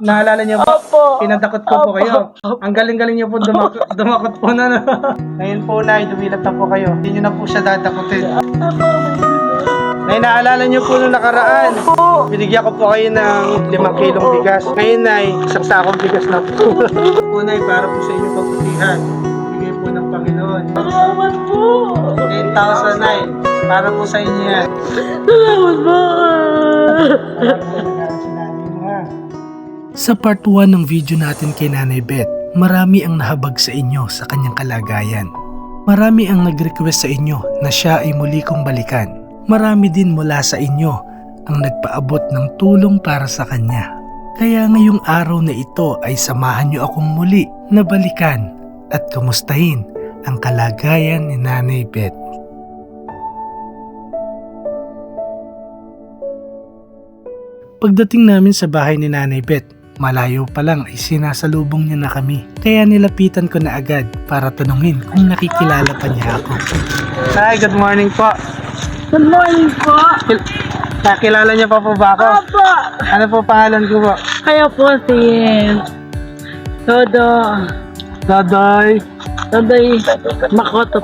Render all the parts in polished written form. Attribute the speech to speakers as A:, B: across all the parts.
A: Naalala niyo po?
B: Opo.
A: Pinadakot ko po kayo. Ang galing-galing niyo po dumakot po na. Ngayon po, Nay, dumilat na po kayo. Hindi niyo na po siya dadakutin. Nay, naalala niyo po nung nakaraan. Binigyan ko po kayo ng 5 kilong bigas. Ngayon, Nay, isang sakong bigas na po. Po, Nay, para po sa inyong pagbutihan. Bigay po ng Panginoon.
B: Salamat po.
A: 10,000, Nay. Para po sa inyo yan.
B: Salamat po.
C: Sa part 1 ng video natin kay Nanay Beth, marami ang nahabag sa inyo sa kanyang kalagayan. Marami ang nag-request sa inyo na siya ay muli kong balikan. Marami din mula sa inyo ang nagpaabot ng tulong para sa kanya. Kaya ngayong araw na ito ay samahan niyo akong muli na balikan at kumustahin ang kalagayan ni Nanay Beth. Pagdating namin sa bahay ni Nanay Beth, malayo pa lang ay sinasalubong niya na kami. Kaya nilapitan ko na agad para tanungin kung nakikilala pa niya ako.
A: Hi, good morning po.
B: Good morning po.
A: Nakilala niyo pa po ba ako?
B: Opo.
A: Ano po pangalan ko po?
B: Kayo po si Todo.
A: Dodoy.
B: Todoy Makoto.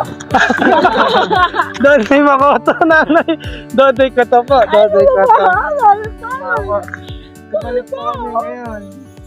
A: Dodoy Makoto, Nanay. Dodoy ko to po. Dodoy ko to. Balik po kami ngayon.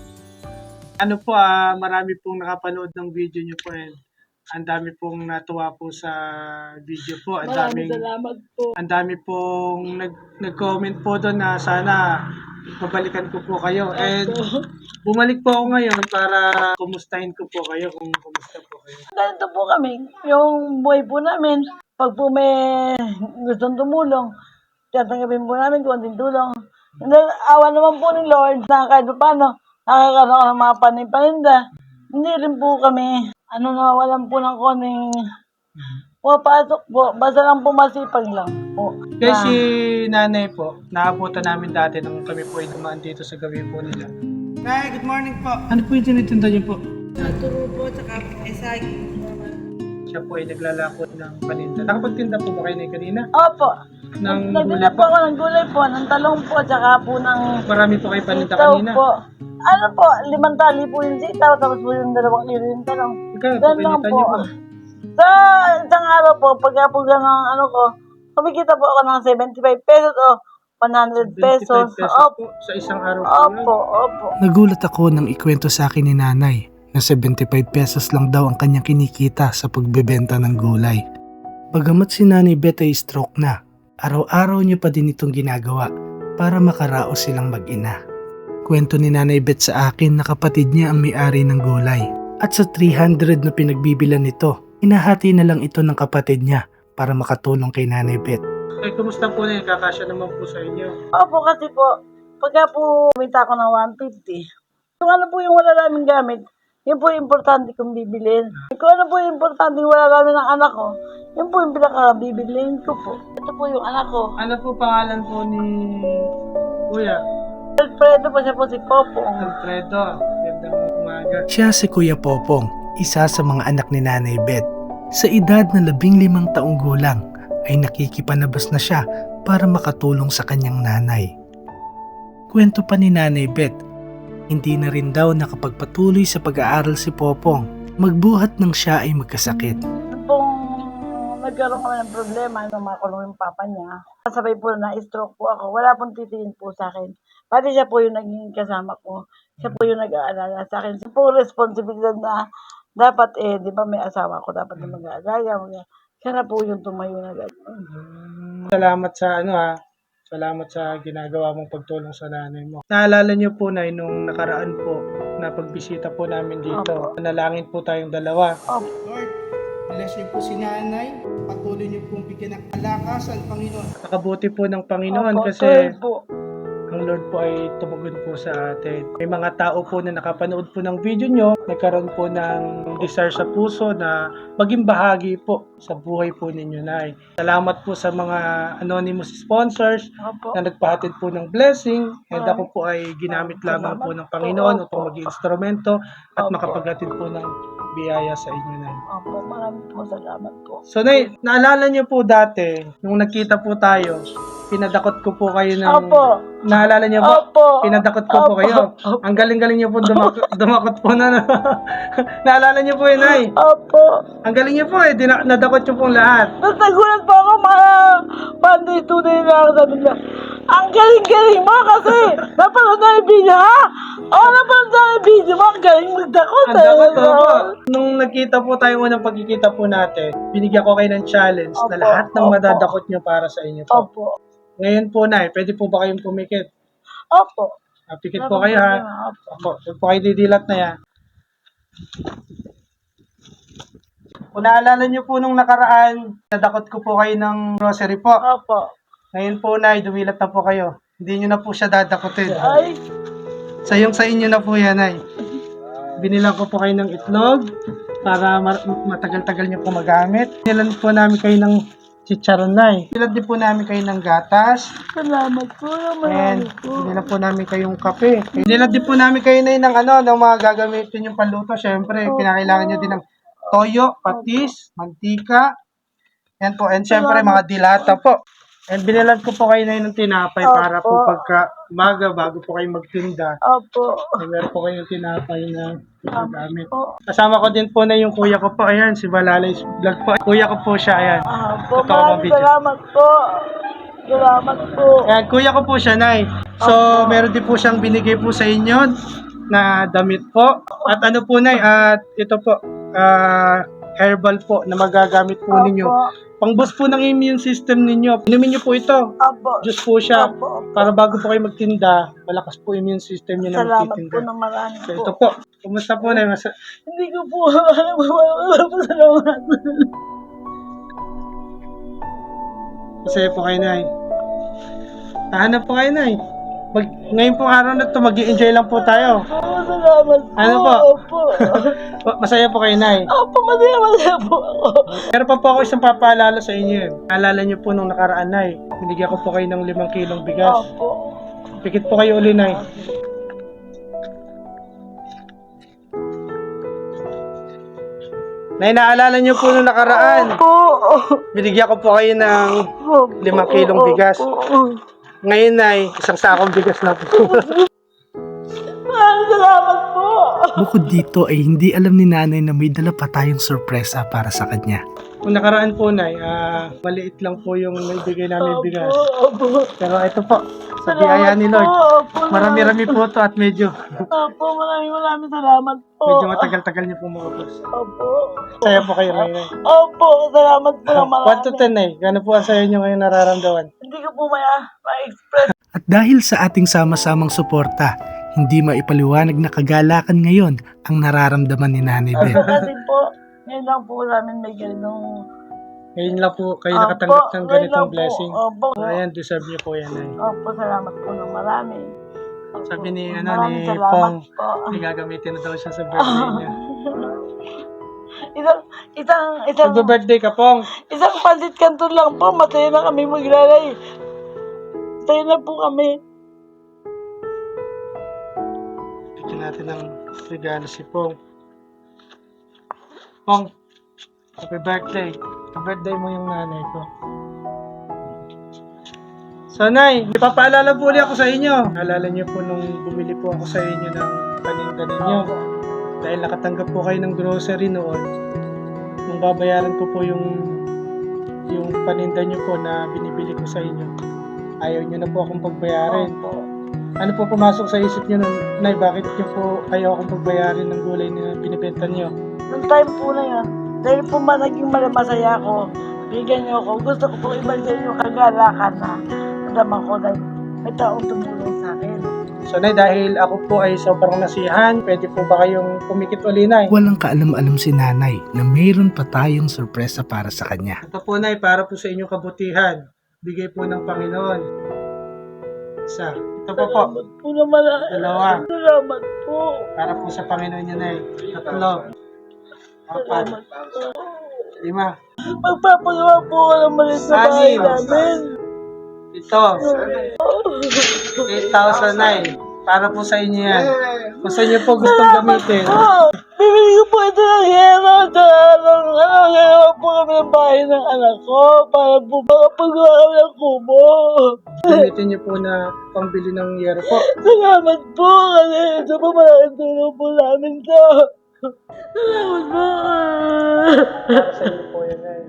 A: Ano po, marami pong nakapanood ng video niyo po. Ang dami pong natuwa po sa video po.
B: Maraming salamat po.
A: Ang dami pong nag-comment po doon na sana mabalikan ko po kayo. And bumalik po ako ngayon para kumustahin ko po kayo kung kumusta po kayo.
B: Ganito po kami, yung buhay po namin, pag po may gustong tumulong, tatanggapin po namin konting tulong. And then, awa naman po ng Lord na kahit paano, nakakaroon ako ng mga paninda. Hindi rin po kami, nawawalan po ng konting pumapasok po. Basta lang po masipag lang po.
A: Kasi Nanay po, naabutan namin dati nung kami po ay dumaan dito sa gabi po nila. Nay, good morning po. Ano po yung tinitinda niyo po?
B: Turo po, tsaka esagi.
A: Siya po ay naglalakot ng paninda. Nakapagtinda po ba kayo na kanina?
B: Opo.
A: Ng
B: Nagtinda
A: gulay
B: po ako ng gulay po, ng talong po, tsaka po ng
A: Marami po kayo paninda
B: sitaw
A: kanina.
B: po. Ano po, 5 tali po yung sitaw, tapos po yung 2 kilo yung talong.
A: Ikaw,
B: Ganun lang
A: pinita
B: po.
A: niyo po.
B: Sa isang araw po, pagka po ganang kumikita po ako ng 75 pesos o 100 pesos.
A: 25 pesos
B: Opo,
A: po sa isang araw po yun.
B: opo.
C: Nagulat ako nang ikwento sa akin ni Nanay na 75 pesos lang daw ang kanyang kinikita sa pagbebenta ng gulay. Bagamat si Nanay Beth ay stroke na, araw-araw niya pa din itong ginagawa para makaraos silang mag-ina. Kwento ni Nanay Beth sa akin na kapatid niya ang may-ari ng gulay. At sa 300 na pinagbibilan nito, inahati na lang ito ng kapatid niya para makatulong kay Nanay Beth.
A: Ay, kumusta po na yun? Kakasya naman po sa inyo.
B: Opo, kasi po, pagka po kumita ako ng 150, kung ano po yung wala namin gamit, yun po yung importante kong bibilin. Kung ano po yung importante yung wala namin ng anak ko, yun po yung pinaka-bibilin ko po. Ito po yung anak ko.
A: Ano po pangalan po ni Kuya?
B: Alfredo po, siya po si Popong.
A: Alfredo. Gandang umaga.
C: Siya si Kuya Popong, isa sa mga anak ni Nanay Beth. Sa edad na 15 taong gulang, ay nakikipanabas na siya para makatulong sa kanyang nanay. Kwento pa ni Nanay Beth, hindi na rin daw nakapagpatuloy sa pag-aaral si Popong, magbuhat nang siya ay magkasakit.
B: Pong nagkaroon kami ng problema nung makulong yung papa niya, sabay po na stroke po ako, wala pong titingin po sa akin. Pati siya po yung naging kasama ko, siya po yung nag-aalala sa akin. Siya po responsibilidad na dapat di ba may asawa ko, dapat na mag-aalaga. Siya na po yung tumayo na gano'n.
A: Salamat sa salamat sa ginagawa mong pagtulong sa nanay mo. Naalala niyo po na nung nakaraan po na pagbisita po namin dito, nalangin po tayong dalawa. Lord, bless niyo po si nanay. Patuloy niyo pong bigyan ng kalakasan, Panginoon. Nakabuti po ng Panginoon kasi
B: po.
A: ang Lord po ay tumugon po sa atin. May mga tao po na nakapanood po ng video nyo, nagkaroon po ng desire sa puso na maging bahagi po sa buhay po ninyo, Nay. Salamat po sa mga anonymous sponsors
B: Opo.
A: na nagpahatid po ng blessing. And ako po ay ginamit lamang po ng Panginoon upang maging instrumento at makapaghatid po ng biyaya sa inyo, Nay.
B: Opo, maraming po salamat po.
A: So, Nay, naalala niyo po dati, nung nagkita po tayo, pinadakot ko po kayo ng...
B: Opo.
A: Naalala niyo po?
B: Opo.
A: Pinadakot ko po
B: Opo.
A: kayo. Ang galing-galing niyo po dumakot po na. Naalala niyo po yun, Nay?
B: Opo.
A: Ang galing niyo po eh. Nadakot niyo pong lahat.
B: Nagulat po ako mga panday-tunay na ako sabi nila. Ang galing-galing mo kasi napanood na yung video ha? Oo, napanood na yung video mo. Ang galing magdakot.
A: Ang dakot po. Nung nagkita po tayo unang pagkikita po natin, binigyan ko kayo ng challenge na
B: Opo.
A: lahat ng
B: Opo.
A: madadakot niyo para sa inyo po.
B: Opo.
A: Ngayon po, Nay, pwede po ba kayong pumikit?
B: Opo.
A: Pikit po kayo ha. Opo, huwag po kayo didilat na yan. Kung naalala niyo po nung nakaraan, nadakot ko po kayo ng grocery po.
B: Opo.
A: Ngayon po, Nay, dumilat na po kayo. Hindi niyo na po siya dadakotin.
B: Ay.
A: Sa inyo na po yan, Nay. Binilang ko po kayo ng itlog para matagal-tagal niyo po magamit. Binilan po namin kayo ng chicharon, Nay. Binilan din po namin kayo ng gatas.
B: Salamat po.
A: And
B: Marami po.
A: binilan po namin kayong kape. Binilan din po namin kayo, Nay, ng ng mga gagamitin yung panluto. Siyempre, kinakailangan niyo din ng toyo, patis, mantika. Yan po. And siyempre, mga dilata po. And binilan ko po kayo, Nay, ng tinapay para po pagka umaga, bago po kayo magtinda.
B: Opo.
A: Meron po kayong tinapay na gagamit.
B: Opo.
A: Kasama ko din po na yung kuya ko po. Ayan, si Balalay Vlog po. Kuya ko po siya, ayan.
B: Opo.
A: Ito ang
B: Maraming
A: video.
B: salamat po. Salamat po.
A: Ayan, kuya ko po siya, Nay. So, meron din po siyang binigay po sa inyo na damit po. At ano po, Nay, at ito po, herbal po na magagamit po ninyo. Pang-boost po ng immune system ninyo. Inumin niyo po ito.
B: Opo.
A: Diyos po siya.
B: Opo.
A: Para bago po kayo magtinda, malakas po immune system niyo na
B: Salamat
A: magtitinda.
B: po ng marami
A: So,
B: po.
A: ito po. Kumusta po, Nay?
B: Hindi ko po alam po salamat.
A: Masaya po kayo, Nay. Tahanap po kayo, Nay. Ngayon pong araw na ito, mag-i-enjoy lang po tayo.
B: Opo, salamat po.
A: Ano po?
B: Opo.
A: Masaya po kayo, Nay.
B: Opo, masaya po ako.
A: Meron pa po ako isang papaalala sa inyo. Alala niyo po nung nakaraan, Nay. Binigyan ko po kayo ng 5 kilong bigas.
B: Opo.
A: Pikit po kayo uli, Nay. Nay, naalala niyo po nung nakaraan.
B: Opo.
A: Binigyan ko po kayo ng 5 kilong bigas.
B: Opo.
A: Ngayon, Nay, isang sakong bigas na po.
B: Maraming salamat po.
C: Bukod dito ay hindi alam ni nanay na may dala pa tayong sorpresa para sa kanya.
A: Nung nakaraan po, Nay, maliit lang po yung naibigay namin bigas.
B: Opo.
A: Pero ito po, sa biyaya ni Lord.
B: Opo.
A: Marami-rami po ito at medyo
B: Maraming salamat po.
A: matagal-tagal niyo po maubos.
B: Opo.
A: Saya po kayo ngayon, Nay.
B: Opo, salamat po ng marami.
A: 1 to 10, Nay. Gano'n po ang sayo niyo ngayon nararamdaman?
B: Hindi ko po ma-express.
C: At dahil sa ating sama-samang suporta, hindi maipaliwanag na kagalakan ngayon ang nararamdaman ni Nanay Beth.
B: Kasi po, ngayon lang po namin may ganong...
A: Ngayon lang po kayo nakatanggap ng
B: ngayon
A: ganitong
B: lang po.
A: blessing.
B: Opo.
A: Ayan, deserve niyo po yan, Nay.
B: Opo, salamat po ng marami. Opo.
A: Sabi ni,
B: Maraming
A: ni
B: salamat
A: Pong,
B: po.
A: may gagamitin na daw siya sa birthday niya.
B: Isang
A: Mag-birthday ka, Pong.
B: isang palit kanto lang po, masaya na kami maglalay. Masaya na po kami.
A: Bigyan natin ng regalo si Pong. Pong, happy birthday. Happy birthday mo yung nanay ko. So, Nay, ipapaalala po ulit ako sa inyo. Alala niyo po nung bumili po ako sa inyo ng paninda ninyo. Dahil nakatanggap po kayo ng grocery noon. Nung babayaran ko po yung paninda niyo po na binibili ko sa inyo. Ayaw niyo na po akong pagbayarin.
B: Opo.
A: Ano po pumasok sa isip niyo nun? Nay, bakit niyo po ayaw akong pagbayarin ng gulay na binibenta niyo?
B: Nung time po na yun, dahil po naging masaya ako, bigyan niyo ako. Gusto ko po ibalik yung kagalakan na nadaman ko dahil may taong tumulong sa akin.
A: So, Nay, dahil ako po ay sobrang nasiyahan, pwede po ba kayong pumikit uli, Nay?
C: Walang kaalam-alam si nanay na mayroon pa tayong sorpresa para sa kanya.
A: Ito po, Nay, para po sa inyong kabutihan. Bigay po ng Panginoon. Isa. Ito po po.
B: Salamat po na marami.
A: Dalawa.
B: Salamat po.
A: Para po sa Panginoon niyo, Nay. 3. 4.
B: Salamat po.
A: 5.
B: Magpapagawa po ako ng malis na bahay
A: Anim.
B: namin.
A: Ito. 8,000, Nay. Para po sa inyo yan. Kung sa inyo po gustong gamitin.
B: Bibili ko po ito ng hero. Gagawa po kami ng bahay ng anak ko para po makapagawa kami ng kubo.
A: Gamitin niyo po na pambili ng yero po.
B: Salamat po kasi ito po malaking tulong po namin to. Salamat po.
A: Sa inyo po yan eh.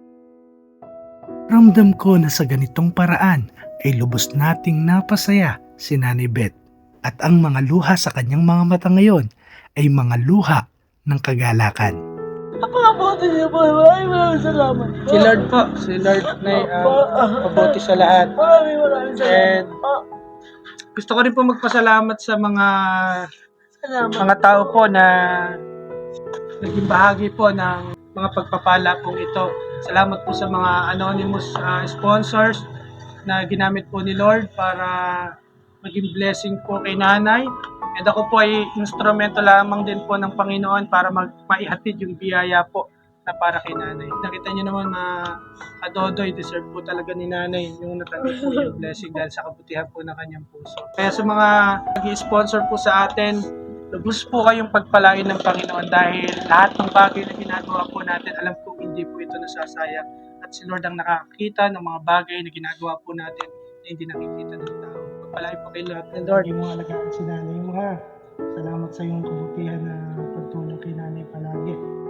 C: Ramdam ko na sa ganitong paraan ay lubos nating napasaya si Nanay Beth at ang mga luha sa kanyang mga mata ngayon ay mga luha ng kagalakan.
B: Pakabuti niyo po. Maraming salamat po.
A: Si Lord po. Si Lord na pabuti sa lahat.
B: Maraming salamat
A: And
B: po.
A: gusto ko rin po magpasalamat sa
B: Salamat.
A: mga tao po na naging bahagi po ng mga pagpapala pong ito. Salamat po sa mga anonymous sponsors na ginamit po ni Lord para maging blessing po kay nanay. And ako po ay instrumento lamang din po ng Panginoon para maihatid yung biyaya po na para kay nanay. Nakita niyo naman na kadodoy, deserve po talaga ni nanay yung natanggap po yung blessing dahil sa kabutihan po ng kanyang puso. Kaya sa mga nag-sponsor po sa atin, lubos po kayong pagpalain ng Panginoon dahil lahat ng bagay na ginagawa po natin, alam ko hindi po ito nasasayang. At si Lord ang nakakita ng mga bagay na ginagawa po natin na hindi nakikita ng tao. Pagpalain po kay lahat ng Lord. Hindi mo alagaan si nanay mo ha. Salamat sa iyong kabutihan na pagtulong kay nanay palagi.